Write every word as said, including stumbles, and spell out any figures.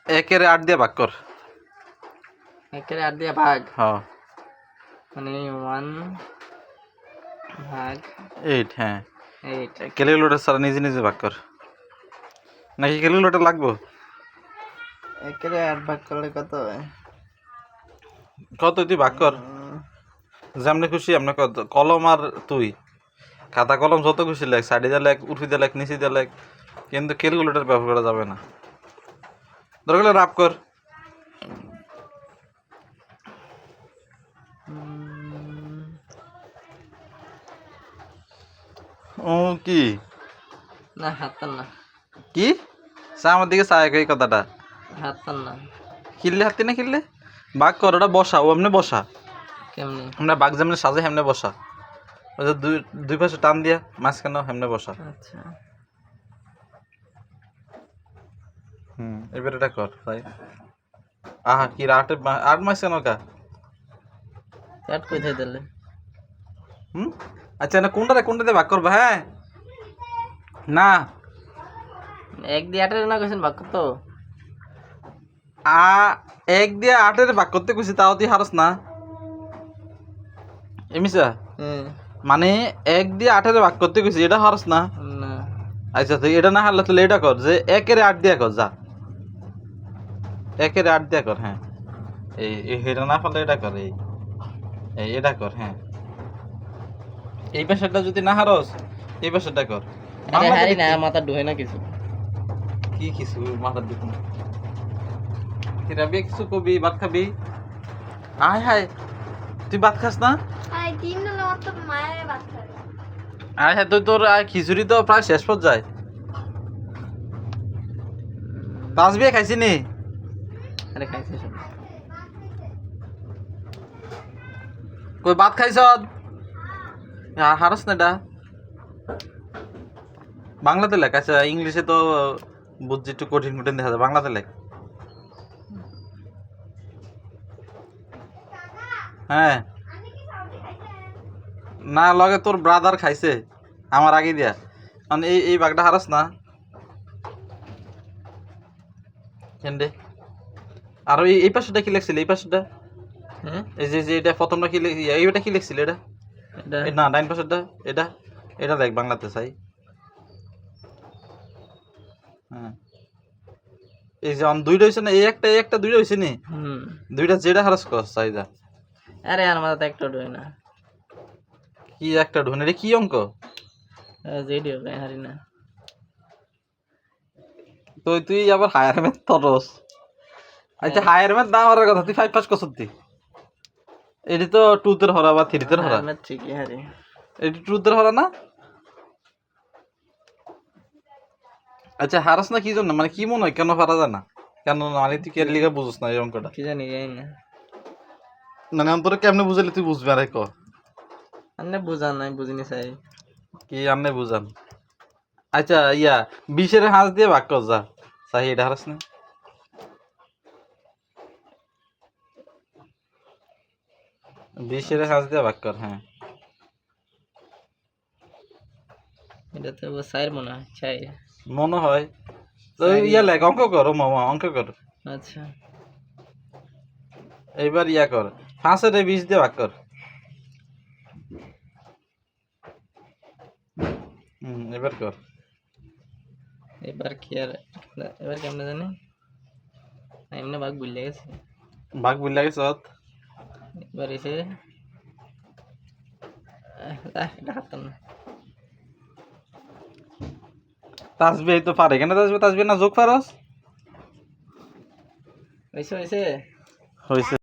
একের আট দিয়ে ভাগ কর। একের আট দিয়ে ভাগ, হ্যাঁ মানে ওয়ান ভাগ এইট। হ্যাঁ এইট। ক্যালকুলেটর ছাড়া নিজে নিজে ভাগ কর, নাকি ক্যালকুলেটর লাগবো? একের আট ভাগ করলে কত হয়? কত তুই ভাগ কর, যেমনি খুশি এমনি কত। কলম আর তুই খাতা কলম যত খুশি লেখ, সাইডে দিয়ে লেখ, উঠি দিয়ে লেখ, নিচে দিয়ে লেখ, কিন্তু ক্যালকুলেটর ব্যবহার করা যাবে না। দরকার হলে রাপ কর। ও কি না হাতার না, কি চা আমার দিকে চা এই কথাটা হাতার না। খিললে হাতি না খিললে বাঘ কর, ওটা বসা, ও এমনি বসা। কেমনি? আমরা বাঘ যেমনি সাজে হেমনে বসা, ওই যে দুই দুই পাশে টান দিয়া মাঝখানে হেমনে বসা। আচ্ছা হুম এবার এটা কর তাই। আহা কি আট আট মাস কেন কা? কাট কোথায় দিলে? হুম আচ্ছা না কোনটাতে কোনটাতে ভাগ করবা? হ্যাঁ না এক দিয়ে আটের না কইছেন ভাগ কত? আ এক দিয়ে আটের ভাগ করতে কইছি, তাও তুই হারস না এমিসা। হ্যাঁ মানে এক দিয়ে আটের ভাগ করতে কইছি, এটা হারস না। না, আচ্ছা তুই এটা না হারলে তাহলে এটা কর, যে একের আট দিয়া কর, যা একের আট দিয়া কর। হ্যাঁ এই এই এটা না পারলে এটা কর, এই এই এটা কর। হ্যাঁ এই পাশেরটা যদি না হারস এই পাশেরটা কর। আরে বাংলাতে হারি না, দেখি। মাথা ঢোয় না কিছু। কি কিছু মাথার দিক না রাবি, কিছু কবি ভাত খাবি? আয় হায় তুই ভাত খাস না? আই দিন না আমার তো মায়ের ভাত খায়। আয় হায় তুই, তোর আয় খিচুড়ি তো প্রায় শেষ পর্যায়ে। পাঁচ বিয়ে খাইছি নি? আরে খাইছে সব। কই ভাত খাইছ? হারস না এটা বাংলাতে লেখ। আচ্ছা ইংলিশে তো বুঝছি একটু কঠিন কঠিন দেখা যায়, বাংলাতে লেখ। হ্যাঁ না লগে তোর ব্রাদার খাইছে আমার আগে দিয়া, মানে এই এই বাঘটা হারাস না কেন্দ্রে। আর এই এই পাশেটা কি লেখছিল? এই পাশেটা হ্যাঁ এই যে যে এটা প্রথমটা কি লেখ- এইটা কি লেখছিল? এটা এটা এ না ডাইন পাশেরটা, এটা এটা দেখ বাংলাতে চাই। হ্যাঁ এই যে অন দুইটা হয়েছে না, এই একটা এই একটা দুইটা হয়েছে নি, হুম। দুইটা যেটা হারাস কর চাই যা। আরে আর মাথা একটা ঢোয় না। কি একটা ঢুনে রে, কি অঙ্ক? যেডি হবে হারি না। তুই তুই আবার হায়ার ম্যাথ তরস। আচ্ছা হায়ার ম্যাথ না হওয়ার কথা, তুই ফাইভ পাস করছ তুই। এটি তো টুতের হরা বা থ্রিতের হরা, আমার ঠিকই হারি। এটি টুতের হরা না। আচ্ছা হারাস না কি জন্য, মানে কি মনে হয় কেন পারা যায় না? কেন মানে তুই কে লিগা বুঝছ না এই অঙ্কটা? কি জানি জানি না, মানে অন্তরে কেমনে বুঝাইলে তুই বুঝবি? আরে ক আন্নে বুঝান নাই, বুঝিনি চাই। কি আনলে বুঝান। আচ্ছা ইয়া বিশের হাঁস দিয়ে ভাগ কর যা, চাই এটা হারাস না। বিশের হাঁস দিয়ে ভাগ কর। হ্যাঁ এটা তো চাইর মনে হয়, চাই। মনে হয় তো ইয়া লেখ, অঙ্ক কর ও মামা, অঙ্ক কর। আচ্ছা এইবার ইয়া কর, পাঁচের বিশ দিয়ে ভাগ কর। হুম এবার কর। এবার কি আর, এবার কেমনে জানি এমনি ভাগ ভুলে গেছি। ভাগ বুঝ লাগে সত। এবার এসে এটা হাতাম না। তাসবি তো পারে কেন? তাসবি তাসবি না যোগ পারস হয়েছে হয়েছে হয়েছে।